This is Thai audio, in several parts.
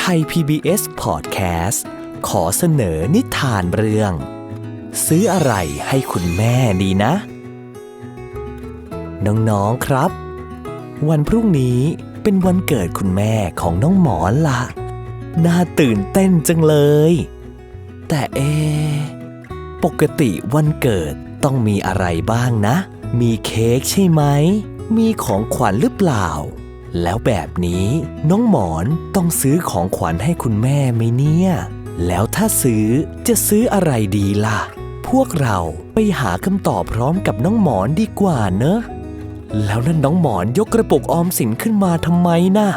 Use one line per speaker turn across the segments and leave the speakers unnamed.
ย PBS Podcast ขอเสนอนิทานเรื่องซื้ออะไรให้คุณแม่ดีนะน้องๆครับวันพรุ่งนี้เป็นวันเกิดคุณแม่ของน้องหมอนล่ะน่าตื่นเต้นจังเลยแต่ปกติวันเกิดต้องมีอะไรบ้างนะมีเค้กใช่ไหมมีของขวัญหรือเปล่าแล้วแบบนี้น้องหมอนต้องซื้อของขวัญให้คุณแม่ไหมเนี่ยแล้วถ้าจะซื้ออะไรดีล่ะพวกเราไปหาคำตอบพร้อมกับน้องหมอนดีกว่าเนอะแล้วนั่นน้องหมอนยกกระปุกออมสินขึ้นมาทำไมนะ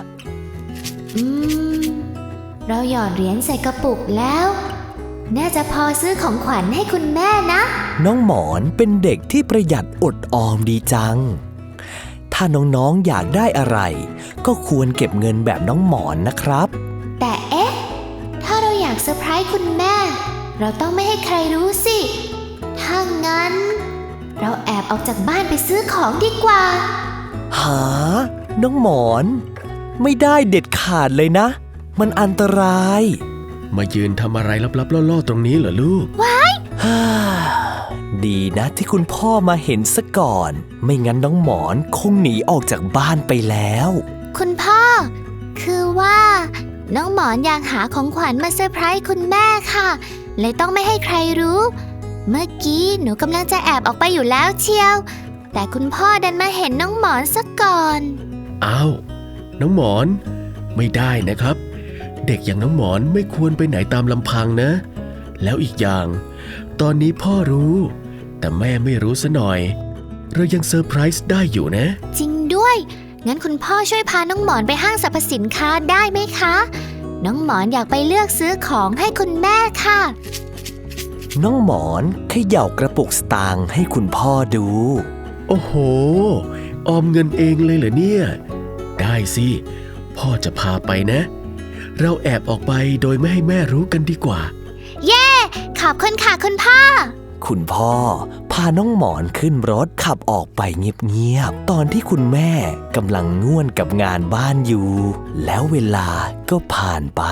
เราหยอดเหรียญใส่กระปุกแล้วน่าจะพอซื้อของขวัญให้คุณแม่นะ
น้องหมอนเป็นเด็กที่ประหยัดอดออมดีจังถ้าน้องๆอยากได้อะไรก็ควรเก็บเงินแบบน้องหมอนนะครับ
แต่ถ้าเราอยากเซอร์ไพรส์คุณแม่เราต้องไม่ให้ใครรู้สิถ้างั้นเราแอบออกจากบ้านไปซื้อของดีกว่า
หาน้องหมอนไม่ได้เด็ดขาดเลยนะมันอันตราย
มายืนทำอะไรลับๆล่อๆตรงนี้เหรอลูก
ว้าย
ดีนะที่คุณพ่อมาเห็นซะก่อนไม่งั้นน้องหมอนคงหนีออกจากบ้านไปแล้ว
คุณพ่อคือว่าน้องหมอนอยากหาของขวัญมาเซอร์ไพรส์คุณแม่ค่ะเลยต้องไม่ให้ใครรู้เมื่อกี้หนูกำลังจะแอบออกไปอยู่แล้วเชียวแต่คุณพ่อดันมาเห็นน้องหมอนซะก่อน
อ้าวน้องหมอนไม่ได้นะครับเด็กอย่างน้องหมอนไม่ควรไปไหนตามลำพังนะแล้วอีกอย่างตอนนี้พ่อรู้แต่แม่ไม่รู้ซะหน่อยเรายังเซอร์ไพรส์ได้อยู่นะ
จริงด้วยงั้นคุณพ่อช่วยพาน้องหมอนไปห้างสรรพสินค้าได้ไหมคะน้องหมอนอยากไปเลือกซื้อของให้คุณแม่ค่ะ
น้องหมอนเขย่ากระปุกสตางค์ให้คุณพ่อดู
โอ้โหออมเงินเองเลยเหรอเนี่ยได้สิพ่อจะพาไปนะเราแอบออกไปโดยไม่ให้แม่รู้กันดีกว่า
เย้ขอบคุณค่ะคุณพ่อ
คุณพ่อพาน้องหมอนขึ้นรถขับออกไปเงียบๆตอนที่คุณแม่กำลังง่วนกับงานบ้านอยู่แล้วเวลาก็ผ่านไป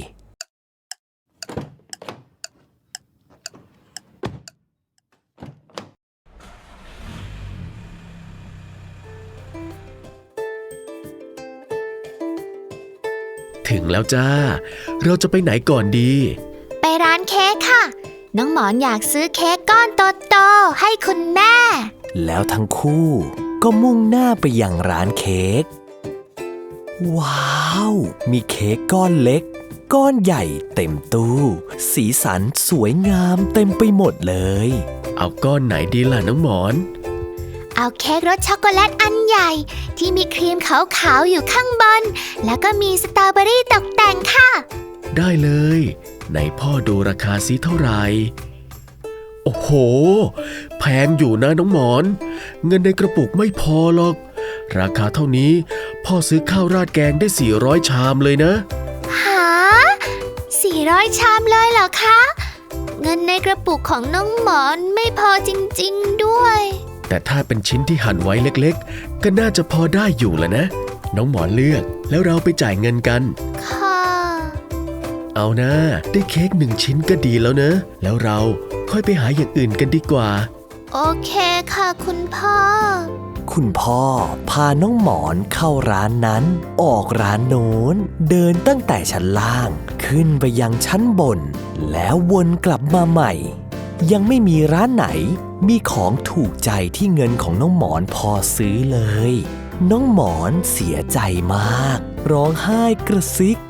ถึงแล้วจ้าเราจะไปไหนก่อนดี
ไปร้านเค้กค่ะน้องหมอนอยากซื้อเค้กก้อนโตๆให้คุณแม่
แล้วทั้งคู่ก็มุ่งหน้าไปยังร้านเค้กว้าวมีเค้กก้อนเล็กก้อนใหญ่เต็มตู้สีสันสวยงามเต็มไปหมดเลย
เอาก้อนไหนดีล่ะน้องหมอน
เอาเค้กรสช็อกโกแลตอันใหญ่ที่มีครีมขาวๆอยู่ข้างบนแล้วก็มีสตรอเบอรี่ตกแต่งค่ะ
ได้เลยไหนพ่อดูราคาซิเท่าไหร่โอ้โหแพงอยู่นะน้องหมอนเงินในกระปุกไม่พอหรอกราคาเท่านี้พ่อซื้อข้าวราดแกงได้400ชามเลยนะ
หา400ชามเลยเหรอคะเงินในกระปุกของน้องหมอนไม่พอจริงๆด้วย
แต่ถ้าเป็นชิ้นที่หั่นไว้เล็กๆก็น่าจะพอได้อยู่แหละนะน้องหมอนเลือกแล้วเราไปจ่ายเงินกัน
ค่ะ
เอานะได้เค้ก1ชิ้นก็ดีแล้วนะแล้วเราค่อยไปหาอย่างอื่นกันดีกว่า
โอเคค่ะคุณพ่อ
คุณพ่อพาน้องหมอนเข้าร้านนั้นออกร้านโน้นเดินตั้งแต่ชั้นล่างขึ้นไปยังชั้นบนแล้ววนกลับมาใหม่ยังไม่มีร้านไหนมีของถูกใจที่เงินของน้องหมอนพอซื้อเลยน้องหมอนเสียใจมากร้องไห้กระซิก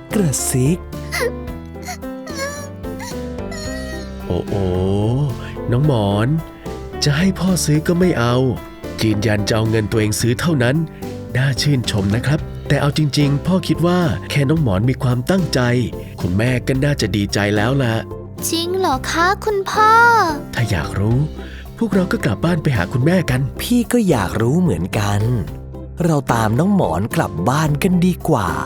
โอ้โอ้น้องหมอนจะให้พ่อซื้อก็ไม่เอายืนยันจะเอาเงินตัวเองซื้อเท่านั้นน่าชื่นชมนะครับแต่เอาจริงๆพ่อคิดว่าแค่น้องหมอนมีความตั้งใจคุณแม่ก็น่าจะดีใจแล้วล่ะ
จริงเหรอคะคุณพ่อ
ถ้าอยากรู้พวกเราก็กลับบ้านไปหาคุณแม่กัน
พี่ก็อยากรู้เหมือนกันเราตามน้องหมอนกลับบ้านกันดีกว่า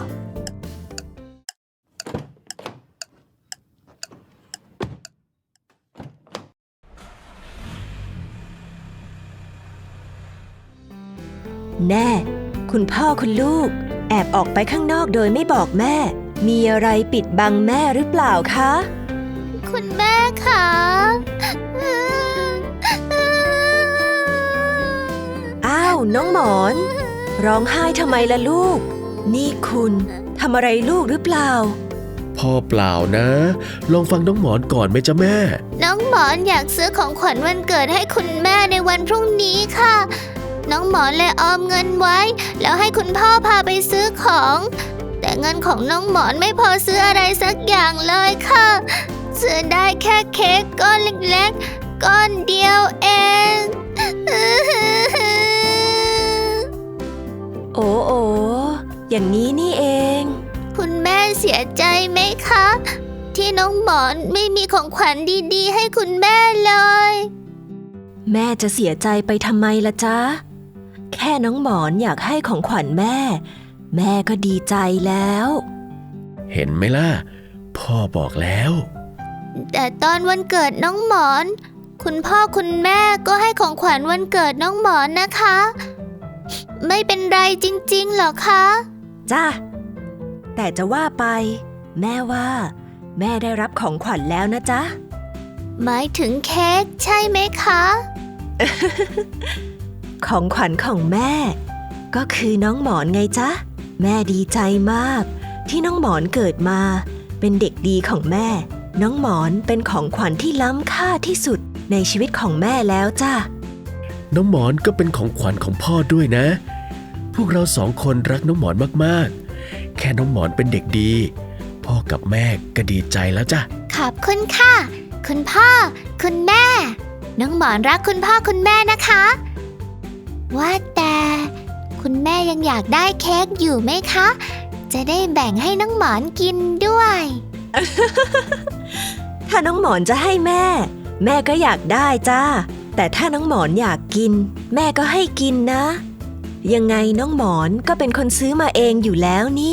แน่คุณพ่อคุณลูกแอบออกไปข้างนอกโดยไม่บอกแม่มีอะไรปิดบังแม่หรือเปล่าคะ
คุณแม่คะ
อ้าวน้องหมอน ร้องไห้ทำไมล่ะลูก นี่คุณทำอะไรลูกหรือเปล่า
พ่อเปล่านะ ลองฟังน้องหมอนก่อนไหมจ๊ะแม่
น้องหมอนอยากซื้อของขวัญวันเกิดให้คุณแม่ในวันพรุ่งนี้ค่ะ น้องหมอนเลยออมเงินไว้ แล้วให้คุณพ่อพาไปซื้อของ แต่เงินของน้องหมอนไม่พอซื้ออะไรสักอย่างเลยค่ะ ซื้อได้แค่เค้กก้อนเล็กๆ ก้อนเดียวเอง
โอ้โออย่างนี้นี่เอง
คุณแม่เสียใจไหมคะ ที่น้องหมอนไม่มีของขวัญดีๆ ให้คุณแม่เลย
แม่จะเสียใจไปทำไมล่ะจ๊ะ แค่น้องหมอนอยากให้ของขวัญแม่ แม่ก็ดีใจแล้ว
เห็นไหมล่ะ พ่อบอกแล้ว
แต่ตอนวันเกิดน้องหมอน คุณพ่อคุณแม่ก็ให้ของขวัญวันเกิดน้องหมอนนะคะ ไม่เป็นไรจริงๆหรอคะ
จ้ะ แต่จะว่าไป แม่ว่า แม่ได้รับของขวัญแล้วนะจ๊ะ
หมายถึงเค้กใช่ไหมคะ
ของขวัญของแม่ ก็คือน้องหมอนไงจ๊ะ แม่ดีใจมาก ที่น้องหมอนเกิดมา เป็นเด็กดีของแม่ น้องหมอนเป็นของขวัญที่ล้ำค่าที่สุดในชีวิตของแม่แล้วจ้ะ
น้องหมอนก็เป็นของขวัญของพ่อด้วยนะ พวกเราสองคนรักน้องหมอนมากๆ แค่น้องหมอนเป็นเด็กดี พ่อกับแม่ก็ดีใจแล้วจ้ะ
ขอบคุณค่ะ คุณพ่อ คุณแม่ น้องหมอนรักคุณพ่อคุณแม่นะคะ ว่าแต่คุณแม่ยังอยากได้เค้กอยู่ไหมคะ จะได้แบ่งให้น้องหมอนกินด้วย
ถ้าน้องหมอนจะให้แม่ แม่ก็อยากได้จ้า แต่ถ้าน้องหมอนอยากกิน แม่ก็ให้กินนะ ยังไงน้องหมอนก็เป็นคนซื้อมาเองอยู่แล้วนี่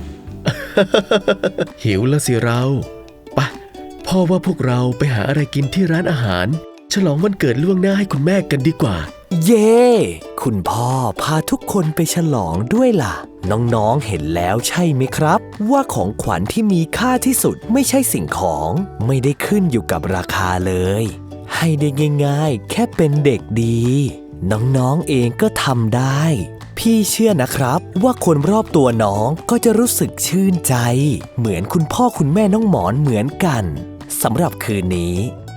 หิวแล้วสิเราไปะพ่อว่าพวกเราไปหาอะไรกินที่ร้านอาหาร ฉลองวันเกิดล่วงหน้าให้คุณแม่กันดีกว่า
เย้ คุณพ่อพาทุกคนไปฉลองด้วยล่ะ น้องๆเห็นแล้วใช่ไหมครับ ว่าของขวัญที่มีค่าที่สุดไม่ใช่สิ่งของ ไม่ได้ขึ้นอยู่กับราคาเลย ให้ได้ง่ายๆ แค่เป็นเด็กดี น้องๆเองก็ทำได้ พี่เชื่อนะครับว่าคนรอบตัวน้องก็จะรู้สึกชื่นใจ เหมือนคุณพ่อคุณแม่น้องหมอนเหมือนกันสำหรับคืนนี้